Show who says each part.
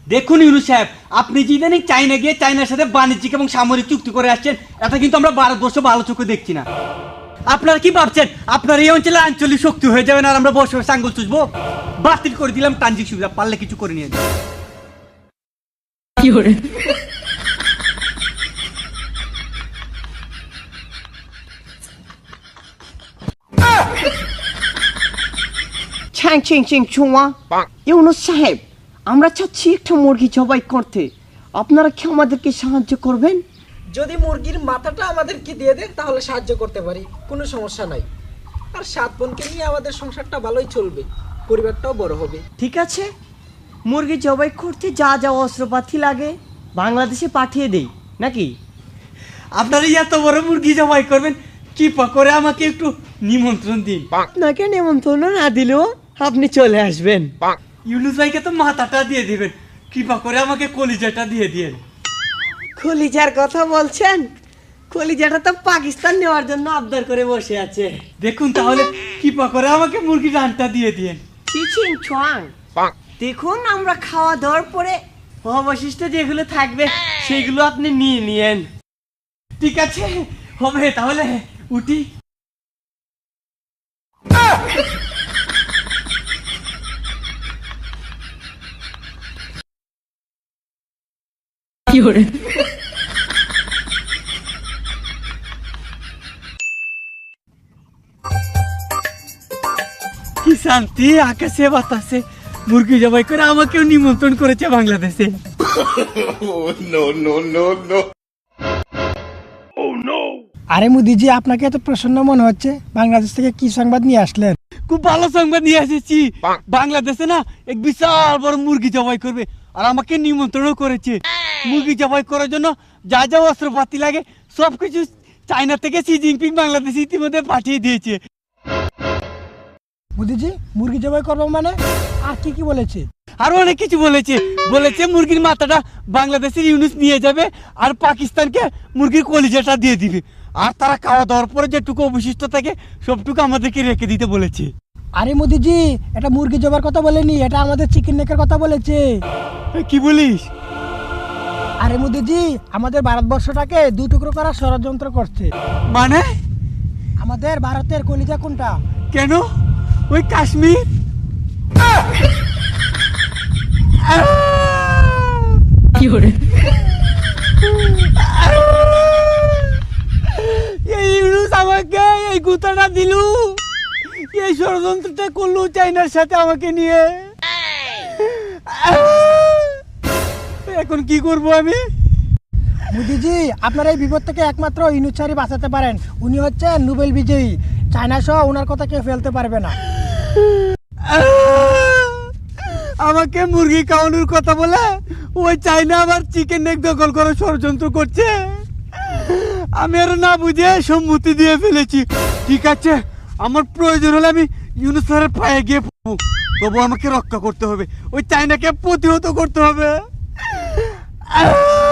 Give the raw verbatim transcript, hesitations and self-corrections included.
Speaker 1: দেখুন ইউনুস সাহেব, আপনি যে ইদানিং চায়না গিয়ে চায়নার সাথে বাণিজ্যিক এবং সামরিক চুক্তি করে আসছেন, এটা কিন্তু আমরা ভারতবর্ষ ভালো চোখে দেখছি না। আপনারা কি ভাবছেন আপনার এই অঞ্চলে আঞ্চলিক শক্তি হয়ে যাবেন আর আমরা বসে বসে আঙ্গুল চুষবো? বাতিল করে দিলাম ট্রানজিট সুবিধা, পারলে কিছু করে নিয়ে যান।
Speaker 2: ছ্যাং চিং চিং ছুঁয়া ইউনুস সাহেব, আমরা চাচ্ছি একটা মুরগি জবাই করতে, আপনারা কি আমাদেরকে সাহায্য করবেন?
Speaker 3: যদি মুরগির মাথাটা আমাদেরকে দিয়ে দেন তাহলে সাহায্য করতে পারি, কোনো সমস্যা নাই। আর সাত বোনকে নিয়ে আমাদের সংসারটা ভালোই চলবে, পরিবারটাও বড় হবে।
Speaker 2: ঠিক আছে, মুরগি জবাই করতে যা যা অস্ত্রপাতি লাগে বাংলাদেশে পাঠিয়ে দেই নাকি?
Speaker 1: আপনারা এত বড় মুরগি জবাই করবেন, কৃপা করে আমাকে একটু নিমন্ত্রণ দিন।
Speaker 2: আপনাকে নিমন্ত্রণ না দিলেও আপনি চলে আসবেন।
Speaker 1: ইউনুস ভাইকে তো মাথাটা দিয়ে দিবেন, কৃপা করে আমাকে কলিজাটা দিয়ে দিয়েন।
Speaker 2: কলিজার কথা বলছেন? কলিজাটা তো পাকিস্তান নেওয়ার জন্য আবদার করে বসে আছে।
Speaker 1: দেখুন তাহলে কৃপা করে আমাকে মুরগি রানটা দিয়ে দিয়েন।
Speaker 2: চিচিং ছুয়াং, দেখুন আমরা খাওয়া দাওয়ার পরে অবশিষ্ট যেগুলো থাকবে সেগুলো আপনি নিয়ে নিয়েন।
Speaker 1: ঠিক আছে, হবে তাহলে উঠি। কি শান্তি, আকাশে বাতাসে মুরগি জবাই করে আমাকেও নিমন্ত্রণ করেছে বাংলাদেশে।
Speaker 3: আরে মোদিজি, আপনাকে এত প্রসন্ন মনে হচ্ছে, বাংলাদেশ থেকে কি সংবাদ নিয়ে আসলেন?
Speaker 1: খুব ভালো সংবাদ নিয়ে এসেছি। বাংলাদেশে না এক বিশাল বড় মুরগি জবাই করবে আর আমাকে নিমন্ত্রণও করেছে। মুরগি জবাই করার জন্য যা যা অস্ত্রপাতি লাগে সবকিছু চায়না থেকে শি জিনপিং বাংলাদেশে ইতিমধ্যে পাঠিয়ে দিয়েছে।
Speaker 3: মোদিজি, মুরগি জবাই করবো মানে? আর কি কি বলেছে?
Speaker 1: আরো অনেক কিছু বলেছে। বলেছে মুরগির মাথাটা বাংলাদেশের ইউনুস নিয়ে যাবে আর পাকিস্তানকে মুরগির কলিজাটা দিয়ে দিবে, আর তারা খাওয়া দাওয়ার পরে যেটুকু অবশিষ্ট থাকে সবটুকু আমাদেরকে রেখে দিতে বলেছে।
Speaker 3: আরে মোদিজি, এটা মুরগি জবার কথা বলেনি, এটা আমাদের চিকেন নেকের কথা বলেছে।
Speaker 1: কি বলিস?
Speaker 3: আরে মোদিজি, আমাদের ভারতবর্ষটাকে দু টুকরো করার ষড়যন্ত্র করছে।
Speaker 1: মানে?
Speaker 3: আমাদের ভারতের কলিজা কোনটা?
Speaker 1: কেন? ওই কাশ্মীর। কি করে এই ইউনুস আমাকে এই গুতাটা দিলু, এই ষড়যন্ত্রটা করলো চাইনার সাথে আমাকে নিয়ে। এখন কি করব আমি?
Speaker 3: মোদিজি, আপনার এই বিপদ থেকে একমাত্র ইউনুস স্যারই বাঁচাতে পারেন। উনি হচ্ছে নোবেল বিজয়ী, চায়না সহ ওনার কথা কেউ ফেলতে পারবে না।
Speaker 1: আমাকে মুরগি খাওয়ানোর কথা বলে ওই চায়না আবার চিকেন নেক দখল করে ষড়যন্ত্র করছে। আমি আর না বুঝে সম্মতি দিয়ে ফেলেছি। ঠিক আছে, আমার প্রয়োজন হলে আমি ইউনুস স্যারের পায়ে গিয়ে পড়বো, তবু আমাকে রক্ষা করতে হবে, ওই চায়নাকে প্রতিহত করতে হবে।